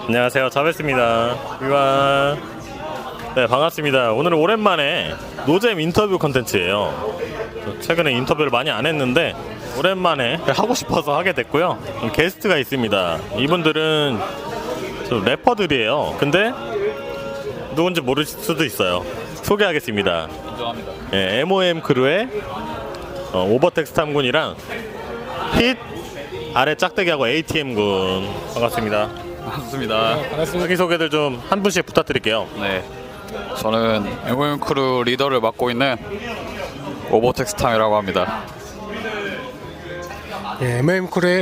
안녕하세요, 자베스입니다. 이와 네, 반갑습니다. 오늘은 오랜만에 노잼 인터뷰 컨텐츠예요. 최근에 인터뷰를 많이 안 했는데 오랜만에 하고 싶어서 하게 됐고요. 게스트가 있습니다. 이분들은 래퍼들이에요. 근데 누군지 모를 수도 있어요. 소개하겠습니다. 인정합니다. 네, MOM 크루의 오버텍스 탐군이랑 힛 아래 짝대기하고 ATM군. 반갑습니다. 반갑습니다. 자기소개들 좀 한 분씩 부탁드릴게요. 네, 저는 MOM 크루 리더를 맡고 있는 오버텍스 탐이라고 합니다. 예, MM 크루의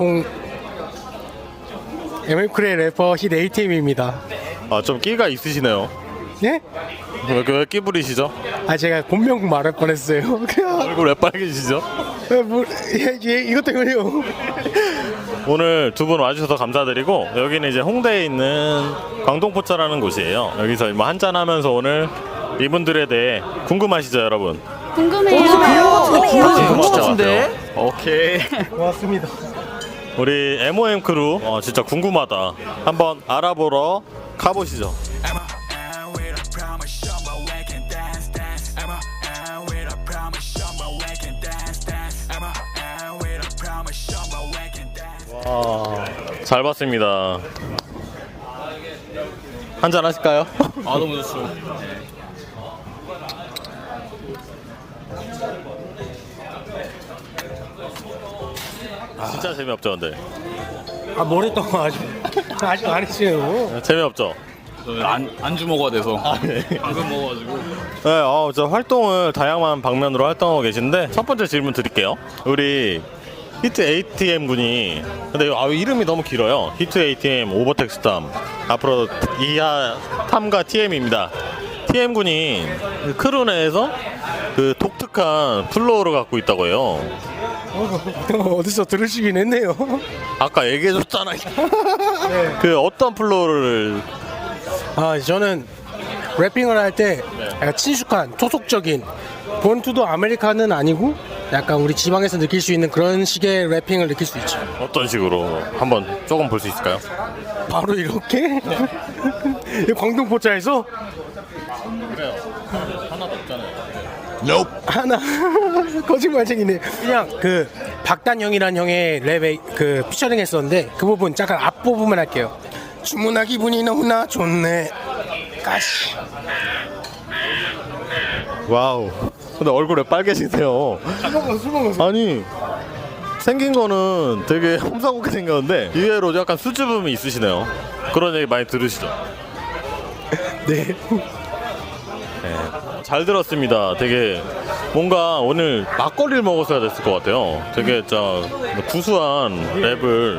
래퍼 힛 ATM입니다. 아, 좀 끼가 있으시네요. 예? 왜 끼 부리시죠? 아 제가 본명 말할 뻔했어요. 그냥 얼굴 왜 빨개지시죠? 이것 때문에요. 오늘 두 분 와주셔서 감사드리고, 여기는 이제 홍대에 있는 광동포차라는 곳이에요. 여기서 뭐 한잔 하면서 오늘 이분들에 대해 궁금하시죠, 여러분? 궁금해요. 진짜 같아요. 오케이. 고맙습니다. 우리 MOM 크루 진짜 궁금하다. 한번 알아보러 가보시죠. 와, 잘 봤습니다. 한잔 하실까요? 아, 너무 좋죠. 진짜 재미없죠, 근데? 아 뭐랬던 거 아직 안 했어요. 재미없죠? 저는 안주 먹어야 돼서 방금 먹어가지고. 네, 저 활동을 다양한 방면으로 활동하고 계신데, 첫 번째 질문 드릴게요. 우리 히트 ATM 군이, 근데 이름이 너무 길어요. 히트 ATM 오버텍스 탐. 앞으로 이하 탐과 TM입니다. TM 군이 크루 내에서 그 독특한 플로어를 갖고 있다고 해요. 어디서 들으시긴 했네요. 아까 얘기해줬잖아요. 네. 그 어떤 플로어를. 아 저는 래핑을 할 때 약간 친숙한 토속적인 본투도 아메리카는 아니고 약간 우리 지방에서 느낄 수 있는 그런 식의 래핑을 느낄 수 있죠. 어떤 식으로 한번 조금 볼 수 있을까요? 바로 이렇게 광동포차에서 그래요. 하나도 없잖아요. 하나 거짓말쟁이네. 그냥 그 박단형이란 형의 랩에 그 피처링 했었는데 그 부분 잠깐 앞부분만 할게요. 주문하 기분이 너무나 좋네. 까시. 와우. 근데 얼굴 왜 빨개지세요? 술 먹어서. 아니, 생긴 거는 되게 험상궂게 생겼는데 의외로 약간 수줍음이 있으시네요. 그런 얘기 많이 들으시죠? 네. 잘 들었습니다. 되게 뭔가 오늘 막걸리를 먹었어야 됐을 것 같아요. 되게 구수한 랩을.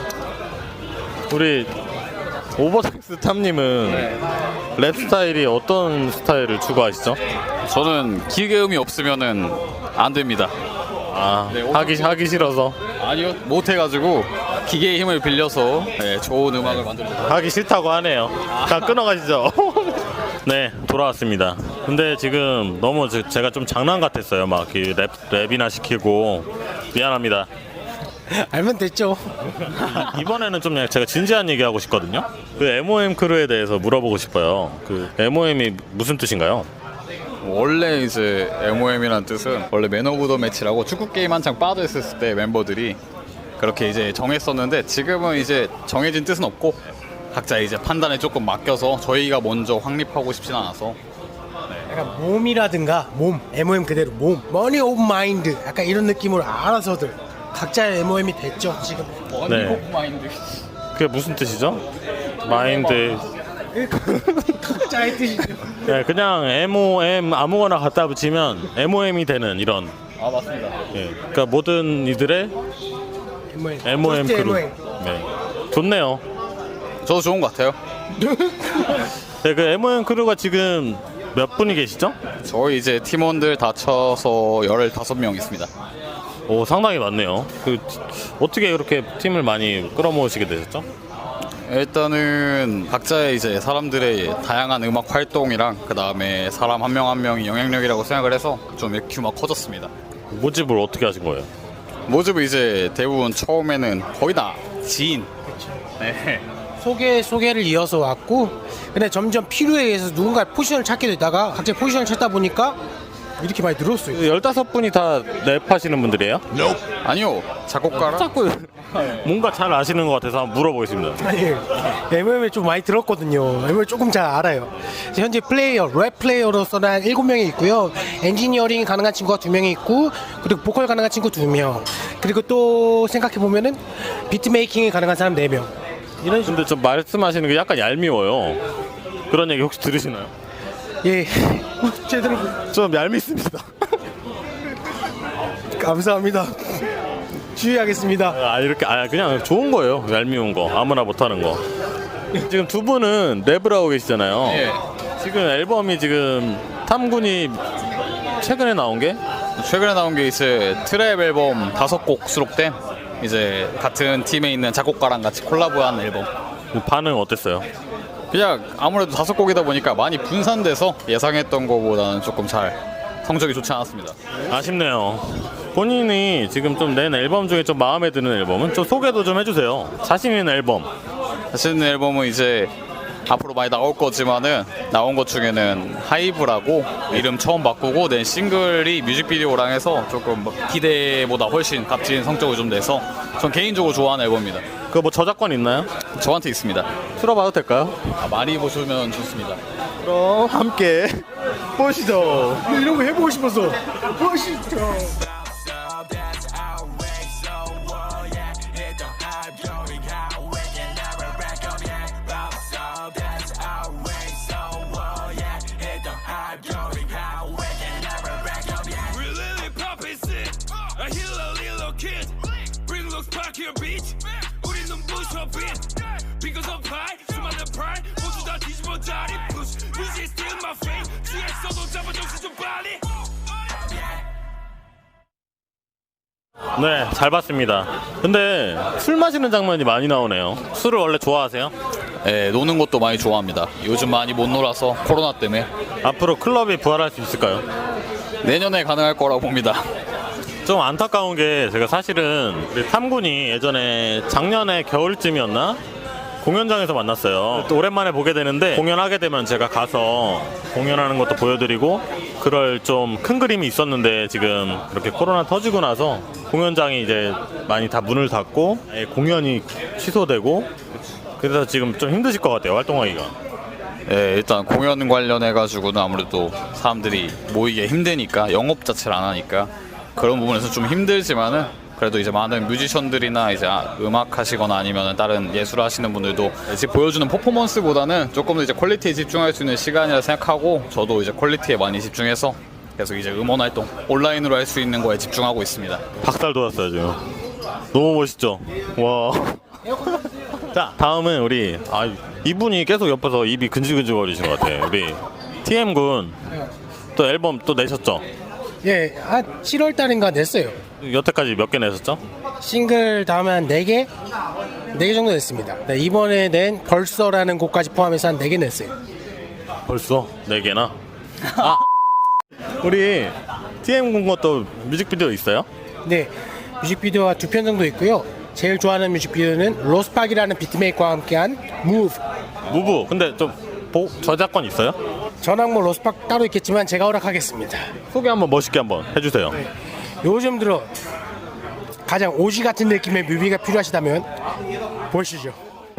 우리 오버텍스 탐님은 랩 스타일이 어떤 스타일을 추구하시죠? 저는 기계음이 없으면은 안 됩니다. 아, 네, 하기 싫어서. 아니요, 못해가지고 기계의 힘을 빌려서 좋은 음악을 만들고. 하기 싫다고 하네요. 다 끊어가시죠. 네, 돌아왔습니다. 근데 지금 너무 제가 좀 장난 같았어요. 막 랩이나 시키고. 미안합니다. 알면 됐죠. 이번에는 좀 제가 진지한 얘기하고 싶거든요. 그 MOM 크루에 대해서 물어보고 싶어요. 그 MOM이 무슨 뜻인가요? 원래 이제 MOM이라는 뜻은 원래 맨 오브 더 매치라고 축구 게임 한창 빠져 있었을 때 멤버들이 그렇게 이제 정했었는데, 지금은 이제 정해진 뜻은 없고 각자 이제 판단에 조금 맡겨서 저희가 먼저 확립하고 싶진 않아서. 약간 몸이라든가 MOM 그대로 머니 오브 마인드 약간 이런 느낌으로 알아서들 각자의 MOM이 됐죠 지금. 네. 오브 마인드. 그게 무슨 뜻이죠? 마인드. 각자의 뜻이죠. 네, 그냥 MOM 아무거나 갖다 붙이면 MOM이 되는 이런. 아, 맞습니다. 예, 그러니까 모든 이들의 MOM 크루. 네, 좋네요. 저도 좋은 것 같아요. 네, 그 MOM 크루가 지금 몇 분이 계시죠? 저희 이제 팀원들 다 쳐서 15명 있습니다. 오, 상당히 많네요. 어떻게 그렇게 팀을 많이 끌어모으시게 되셨죠? 일단은 각자의 이제 사람들의 다양한 음악 활동이랑 그 다음에 사람 한 명 한 명이 영향력이라고 생각을 해서 좀 이렇게 규모가 커졌습니다. 모집을 어떻게 하신 거예요? 모집은 이제 대부분 처음에는 거의 다 지인, 네, 소개를 이어서 왔고, 근데 점점 필요에 의해서 누군가 포지션을 찾게 되다가 각자 포지션을 찾다 보니까 이렇게 많이 늘었어요. 15분이 다 랩하시는 분들이에요? 아니요, 작곡가랑 자꾸 뭔가 잘 아시는 것 같아서 한번 물어보겠습니다. 아니, MM을 좀 많이 들었거든요. MM을 조금 잘 알아요. 현재 랩 플레이어로서는 한 7명이 있고요. 엔지니어링이 가능한 친구가 2명이 있고, 그리고 보컬 가능한 친구 2명. 그리고 또 생각해보면은 비트메이킹이 가능한 사람 4명. 이런 식으로. 근데 좀 말씀하시는 게 약간 얄미워요. 그런 얘기 혹시 들으시나요? 예. 제대로. 좀 얄밉습니다. 감사합니다. 주의하겠습니다. 이렇게 그냥 좋은 거예요. 얄미운 거 아무나 못하는 거. 지금 두 분은 랩을 하고 계시잖아요. 예. 지금 앨범이 지금 탐군이 최근에 나온 게 최근에 나온 게 이제 트랩 앨범 5곡 수록된 이제 같은 팀에 있는 작곡가랑 같이 콜라보한 앨범. 반응 어땠어요? 그냥 아무래도 5곡이다 보니까 많이 분산돼서 예상했던 거보다는 조금 잘 성적이 좋지 않았습니다. 아쉽네요. 본인이 지금 좀 낸 앨범 중에 좀 마음에 드는 앨범은 좀 소개도 좀 해주세요. 자신 있는 앨범. 사실 앨범은 이제 앞으로 많이 나올 거지만은 나온 것 중에는 하이브라고 이름 처음 바꾸고 낸 싱글이 뮤직비디오랑 해서 조금 기대보다 훨씬 값진 성적을 좀 내서 전 개인적으로 좋아하는 앨범입니다. 그거 뭐 저작권 있나요? 저한테 있습니다. 틀어봐도 될까요? 많이 보시면 좋습니다. 그럼 함께 보시죠. 이런 거 해보고 싶어서. 보시죠. 네, 잘 봤습니다. 근데 술 마시는 장면이 많이 나오네요. 술을 원래 좋아하세요? 네, 노는 것도 많이 좋아합니다. 요즘 많이 못 놀아서 코로나 때문에. 앞으로 클럽이 부활할 수 있을까요? 내년에 가능할 거라고 봅니다. 좀 안타까운 게 제가 사실은 우리 탐군이 예전에 작년에 겨울쯤이었나? 공연장에서 만났어요. 또 오랜만에 보게 되는데 공연하게 되면 제가 가서 공연하는 것도 보여드리고 그럴 좀 큰 그림이 있었는데 지금 이렇게 코로나 터지고 나서 공연장이 이제 많이 다 문을 닫고 공연이 취소되고 그래서 지금 좀 힘드실 것 같아요. 활동하기가. 네, 일단 공연 관련해가지고는 아무래도 사람들이 모이기 힘드니까 영업 자체를 안 하니까 그런 부분에서 좀 힘들지만은 그래도 이제 많은 뮤지션들이나 이제 음악 하시거나 아니면 다른 예술 하시는 분들도 이제 보여주는 퍼포먼스보다는 조금 더 이제 퀄리티에 집중할 수 있는 시간이라 생각하고 저도 이제 퀄리티에 많이 집중해서 계속 이제 음원 활동 온라인으로 할 수 있는 거에 집중하고 있습니다. 박살 돋았어요 지금. 너무 멋있죠? 와. 자, 다음은 우리 이분이 계속 옆에서 입이 근질근질 거리신 것 같아요. 우리 TM군 또 앨범 또 내셨죠? 예, 한 7월 달인가 냈어요. 여태까지 몇 개 내셨죠? 싱글 다음에 한 4개? 4개 정도 냈습니다. 네, 이번에 낸 벌써라는 곡까지 포함해서 한 4개 냈어요. 벌써 4개나? 우리 TM군 것도 뮤직비디오 있어요? 네, 뮤직비디오가 2편 정도 있고요. 제일 좋아하는 뮤직비디오는 로스팍이라는 비트메이커와 함께한 Move. 무브. 근데 좀 저작권 있어요? 저랑 뭐 로스팍 따로 있겠지만 제가 허락하겠습니다. 소개 한번 멋있게 한번 해주세요. 요즘 들어 가장 오지 같은 느낌의 뮤비가 필요하시다면 보시죠.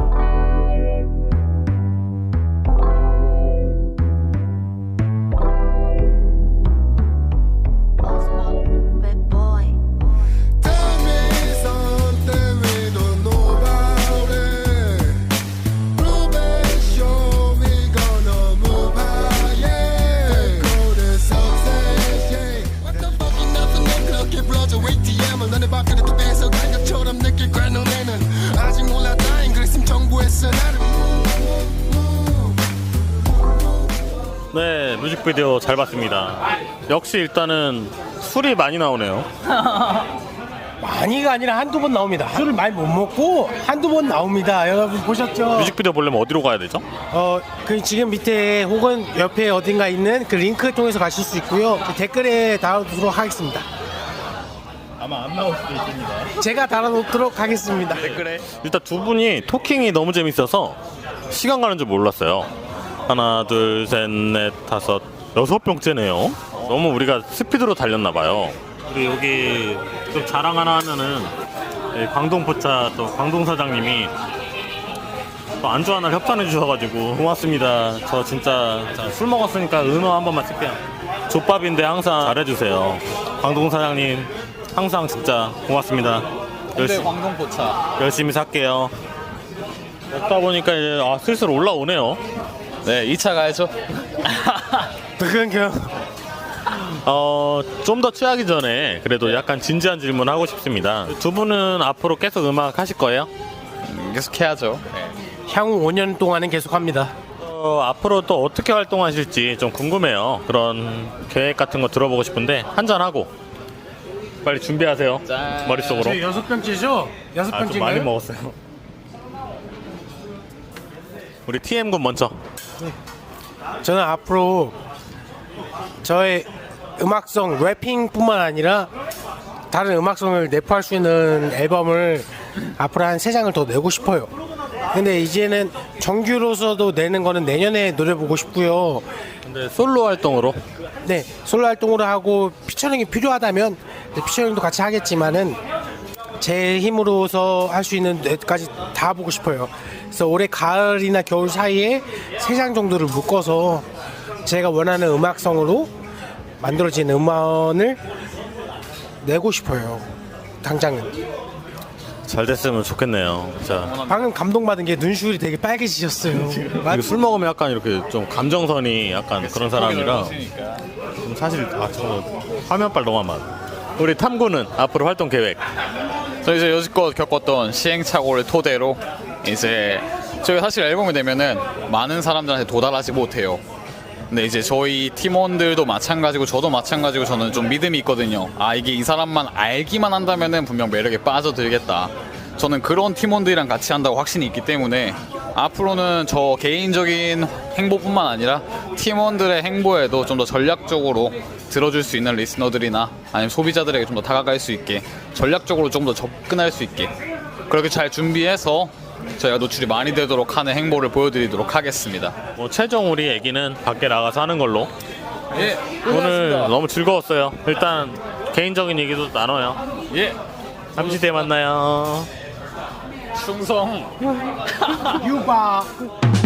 네, 뮤직비디오 잘 봤습니다. 역시 일단은 술이 많이 나오네요. 많이가 아니라 한두 번 나옵니다. 술을 많이 못 먹고 한두 번 나옵니다. 여러분 보셨죠? 뮤직비디오 보려면 어디로 가야 되죠? 그 지금 밑에 혹은 옆에 어딘가 있는 그 링크 통해서 가실 수 있고요. 그 댓글에 달아두도록 하겠습니다. 아마 안 나올 수도 있습니다. 제가 달아놓도록 하겠습니다. 댓글에 일단 두 분이 토킹이 너무 재밌어서 시간 가는 줄 몰랐어요. 하나, 둘, 셋, 넷, 다섯, 6병째네요. 너무 우리가 스피드로 달렸나 봐요. 우리 여기 좀 자랑 하나 하면은 광동포차 또 광동 사장님이 또 안주 하나 협찬해 주셔가지고 고맙습니다. 저 진짜 술 먹었으니까 은어 한 번만 쓸게요. 족밥인데 항상 잘해주세요. 광동 사장님 항상 진짜 고맙습니다. 근데 광동포차. 열심히 살게요. 먹다 보니까 이제 슬슬 올라오네요. 네, 2차 가야죠. 그건요. 좀 더 취하기 전에 그래도 약간 진지한 질문 하고 싶습니다. 두 분은 앞으로 계속 음악 하실 거예요? 계속 해야죠. 네. 향후 5년 동안은 계속합니다. 앞으로 또 어떻게 활동하실지 좀 궁금해요. 그런 계획 같은 거 들어보고 싶은데 한잔 하고 빨리 준비하세요. 짠. 머릿속으로. 저희 6병째죠? 6병째인가요? 좀 많이 먹었어요. 우리 TM군 먼저. 저는 앞으로 저의 음악성 래핑뿐만 아니라 다른 음악성을 내포할 수 있는 앨범을 앞으로 한 3장을 더 내고 싶어요. 근데 이제는 정규로서도 내는 거는 내년에 노려보고 싶고요. 근데 솔로 활동으로 네, 솔로 활동으로 하고 피처링이 필요하다면 피처링도 같이 하겠지만은 제 힘으로서 할 수 있는 데까지 다 보고 싶어요. 그래서 올해 가을이나 겨울 사이에 3장 정도를 묶어서 제가 원하는 음악성으로 만들어진 음원을 내고 싶어요. 당장은. 잘 됐으면 좋겠네요. 자, 방금 감동받은 게 눈시울이 되게 빨개지셨어요. 이게 술 먹으면 약간 이렇게 좀 감정선이 약간 그런 사람이라 좀 사실 저 화면빨 너무 안 맞아. 우리 탐구는 앞으로 활동 계획. 저 이제 여지껏 겪었던 시행착오를 토대로 이제 저희 사실 앨범이 되면은 많은 사람들한테 도달하지 못해요. 근데 이제 저희 팀원들도 마찬가지고 저도 마찬가지고 저는 좀 믿음이 있거든요. 아, 이게 이 사람만 알기만 한다면은 분명 매력에 빠져들겠다. 저는 그런 팀원들이랑 같이 한다고 확신이 있기 때문에 앞으로는 저 개인적인 행보뿐만 아니라 팀원들의 행보에도 좀 더 전략적으로 들어줄 수 있는 리스너들이나 아니면 소비자들에게 좀 더 다가갈 수 있게 전략적으로 좀 더 접근할 수 있게 그렇게 잘 준비해서 저희가 노출이 많이 되도록 하는 행보를 보여드리도록 하겠습니다. 뭐 최종 우리 얘기는 밖에 나가서 하는 걸로. 예, 오늘 너무 즐거웠어요. 일단 개인적인 얘기도 나눠요. 예, 잠시 뒤에 만나요. 충성. 유바.